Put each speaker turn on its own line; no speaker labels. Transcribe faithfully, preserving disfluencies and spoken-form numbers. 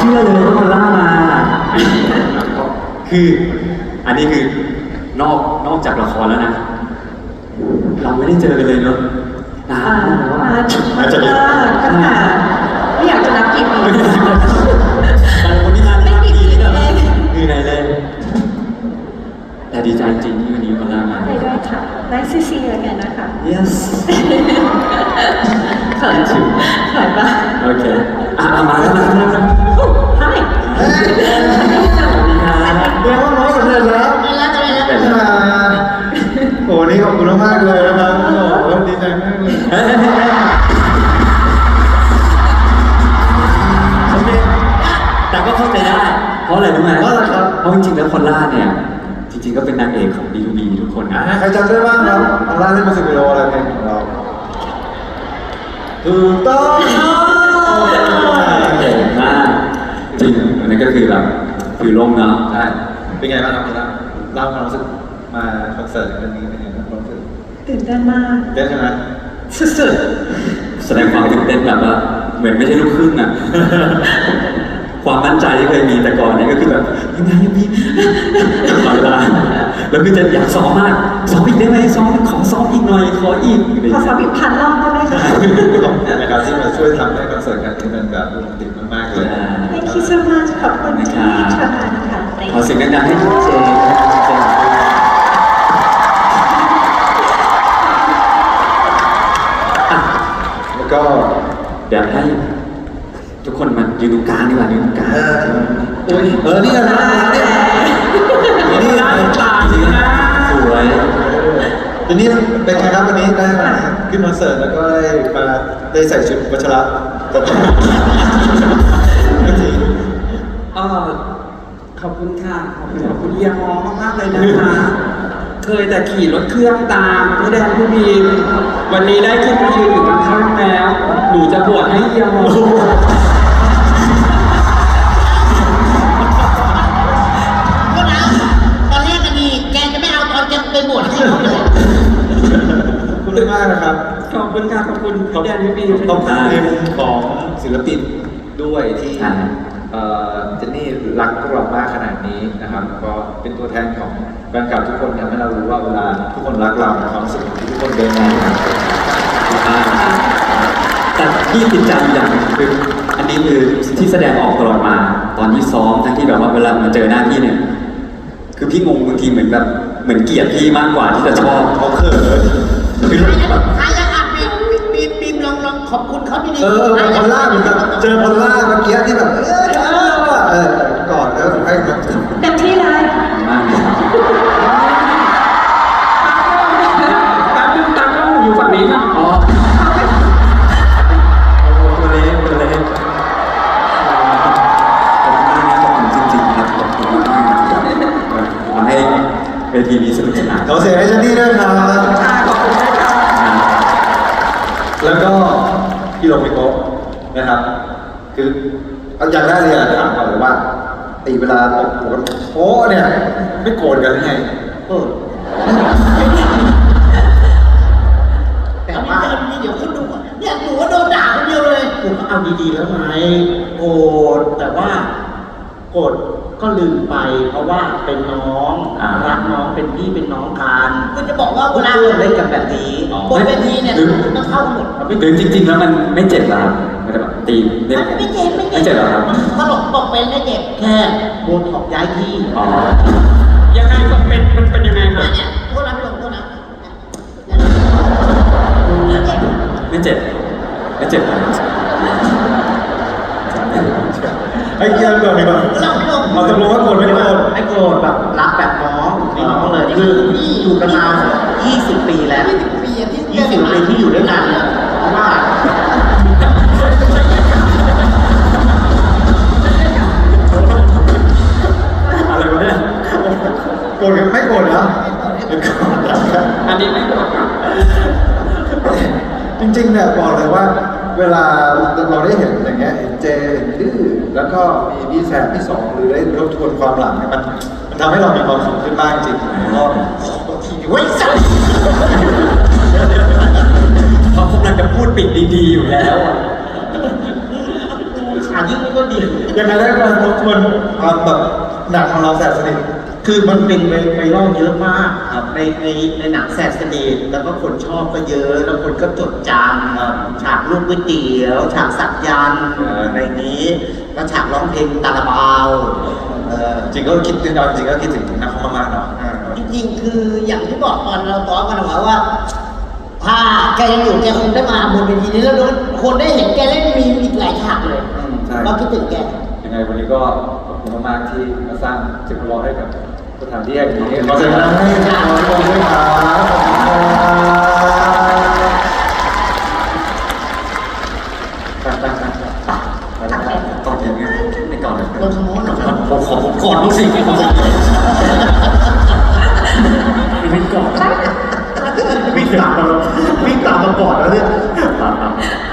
ชื่อเลยว่ามันล่ามาคืออันนี้คือนอกนอกจากละครแล้วนะ เราไม่ได้เจอกันเลยเนอะนานมาก
อาจจะตั้งแต่ไม่อยากจะนับกี่ปี
แต่คนที่นาน
ไม่
มาก
กี่
ปี
ปี
นี่
เอ
ก็
ง
คือไงเลยแต่ดีใจจริงที่วันนี้มาล่ามา
ไปด้วยค่ะ Nice to see you again นะคะ
yes
เขิน
ถึง
เขินปะ
โอเคอ่ะมาแล้วมาแล้วมาแล้ว
Hi
สวัสดีครับ
เรียกว่าน้องสำเร็จแล้ว
ไม่แล้วจะไม่แล้ว
เป็นแล้ว
โอ้นี่ขอบคุณมากเลยนะครับโอ้ดีใจมากเลย
เฮ้ยโอเคแต่ก็เข้าใจได้ เพราะอะไรรู้ไหม
เพราะอะไรครับ
เพราะจริงๆแล้วคนล่าเนี่ย จริงๆก็เป็นนางเอกของ บี ทู บี ทุกคนนะ
ใครจำได้บ้างครับอัลล่าเล่นมิวสิกวิดีโออะไรเพลงของเราถูกต้อง
เก่งมากจริงอันนี้ก็คือแบบคือลมเนาะ
ใช่เป็นไงบ้างครับคุณล่าเล่าความรู้สึกมาคอนเสิร์ตครั้งนี้เป็นไงบ้างความรู้สึก
ตื่นเต้นมาก
เต้นใช่ไหม
สุด
แสดงความตื่นเต้นแบบว่าเหมือนไม่ใช่ลูกครึ่งอ่ะ ความมั่นใจที่เคยมีแต่ก่อนเนี่ยก็คือแบบยังไงยังมีตลอดเวลาแล้วคือจะอยากซ้อมมากซ้อมอีกได้ไหมซ้อมขอซ้อมอีกหน่อยขออีกอะไรอ
ๆขอย่าง สอบ
เงี้ย
อีกพันรอบได้ไหมคะ
ขอบคุณนะครับที่มาช่วยทำให้คอนเสิร์ตครั้งนี้เป็นแบบโรแมนติกมากๆเลย
Thank you so much ขอบคุณที่เชิญมานะคะ Thank
ขอ
you
เสียงดังๆให้เจเจอ่ะ
แล้วก็
เดี๋ยวให้ทุกคนมายืนตรงกลางดีกว่ายืนตรงกลาง
เออโอ้ยเออนี่นะเนี่ยนี่
ตาจริงนะสวย
ทีนี้เป็นไงครับวันนี้ได้มาขึ้นคอนเสิร์ตแล้วก็ได้มาได้ใส่ชุดวัชระตบจริง
เออขอบคุณค่ะ ขอบคุณขอบคุณเฮียมองมากๆเลยนะคะ เคยแต่ขี่รถเครื่องตามพี่แดงพี่บีมวันนี้ได้ขึ้นมายืนอยู่ข้างๆแล้ว หนูจะบวชให้เฮียมอง
ก็นะตอนแรกก็ดีแกจะไม่เอาตอนจะไปบวชให้เขาเลย
ขอบคุณมากนะครับ
ขอบคุณค่ะ ขอบคุณพี่แดงพี่บีม
ขอบคุณในมุมของศิลปินด้วยที่เอ่อเจนนี่รักพวกเรามากขนาดนี้นะครับ ก็เป็นตัวแทนของแฟนคลับทุกคนทำให้เรารู้ว่าเวลาทุกคนรักเราความรู้สึกที่ทุกคนเดินมา
แต่ที่ติดใจอย่างหนึ่งคืออันนี้คือที่แสดงออกตลอดมาตอนที่ซ้อมทั้งที่แบบว่าเวลามาเจอหน้าพี่เนี่ย คือพี่งงบางทีเหมือนแบบเหมือนเกลียดพี่มากกว่าที่จะชอบ
เขาเขิน
คือแบบ
ใครจะอ่ะบีมบีมบีมลองลองขอบคุณเขาดีๆ
เออเป็นพอลล่าเหมือนกับเจอพอลล่าเมื่อกี้ที่แบบเออเออเออกอดแล้วให้มัน
เต็มที่เลย
มากเลยครับ
ตามตามต้องอยู่ฝั่งนี้ค่ะ
อ๋อตัวเล็กตัวเล็กขอบคุณมากนะขอบคุณจริงๆครับขอบคุณมากๆที่ทำให้เวทีนี้สนุกสนาน
ขอเสียงให้เจนนี่ด้วยครับ
ค่ะขอบคุณด้วยค่ะ
แล้วก็พี่โรมิโกะนะครับ คือเอาอย่างแรกเลยอะถามก่อนเลยว่าไอ้เวลาตบหัวโอ้เนี่ยไม่โกรธกันหรือไงเออ
แต่ว่าเดี๋ยวเขาดูก่อนเนี่ยหนูว่าโดนด่าคนเดียวเลย
ผมก็เอาดีๆแล้วไงโกรธแต่ว่าโกรธก็ลืมไป เพราะว่าเป็นน้องรักน้องเป็นพี่เป็นน้องกัน
ก็จะบอกว่าเว
เพื่
ลา
อนเล่นกันแบบนี้
บนเวทีเนี่ยต้องเข้ากันหมด
หรือจริงๆแล้วมันไม่เจ็บหรอครับไม่ได้แบบตีเล่น
ไม่เจ็บไม่
ไม่เจ็บหรอครับ
ตลกบอกเป็นไม่เจ็บ
แค่โบนถอกย้ายที่
อ๋อ
ยังไงก็เป็นมันเป็นยังไงคะ
เนี่ยโทษนะพี่ลงโทษนะ
ไม่เจ็บไม่เจ็บครับ
ไอ้เกียร์ก่อนดีกว่า
พี่ลงพี่ลง
เอาตกลงว่าโกรธไม่โกรธ
ไอ้โกรธแบบรักแบบน้องเป็นน้องเลยคืออยู่กันมายี่สิบปีแล้ว
ยี่สิบปีอะที่
ยี่สิบปีที่อยู่ด้วยกันเนี่ยเพราะว่า
อะไรวะเนี่ย
โกรธกันไม่โกรธนะเป็นโกรธนะครับ
อันนี้ไม่โกรธครับ
จริงๆเนี่ยบอกเลยว่า เวลาเราได้เห็นอย่างเงี้ยเห็นเจเห็นดื้อแล้วก็มีพี่แซมพี่สองหรือได้ทบทวนความหลังเนี่ยมันมันทำให้เรามีความสุขขึ้นบ้างจริงๆก็ทีเว้ยสัส
เขากำลังจะพูดปิดดีๆอยู่แล้วอะ
ใช่
ฉากยิ่งไม่ก็ดี
ยังไงได้มาทบทวนความแบบหนักของเราแสบสนิท
คือมันเป็นไวไวรัลเยอะมากครับในในในหนังแสบสนิทแล้วก็คนชอบก็เยอะ แล้วคนก็จดจำครับฉากลูกก๋วยเตี๋ยว ฉากสักยันต์ในนี้แล้วฉากร้องเพลงตาลาบาวเออ
จริงก็คิดจริงๆจริงก็คิดถึงนักคอมมากๆเนาะ
จริงๆ คืออย่างที่บอกตอนเราต้อกันเอาไว้ว่า ถ้าแกยังอยู่แกคงได้มาบนเวทีนี้แล้วคนได้เห็นแกเล่นมีอีกหลายฉากเลย
อืมใช่
เราคิดถึงแก
ยังไงวันนี้ก็ขอบคุณมากๆที่มาสร้างสิ่งแวดล้อมให้กับสถานที่แห่งนี้
ขอเชิญนะให้ขอชมด้วยครับขอบคุณครับตอบยังไงไม่ก่อนเลย
ลงทางโน้นเหรอครับ
ผมขอผมก่อนบ้างสิผมสิไม่ก่อนวิ่งตามมาวิ่งตามมาก่อนแล้วเนี่ย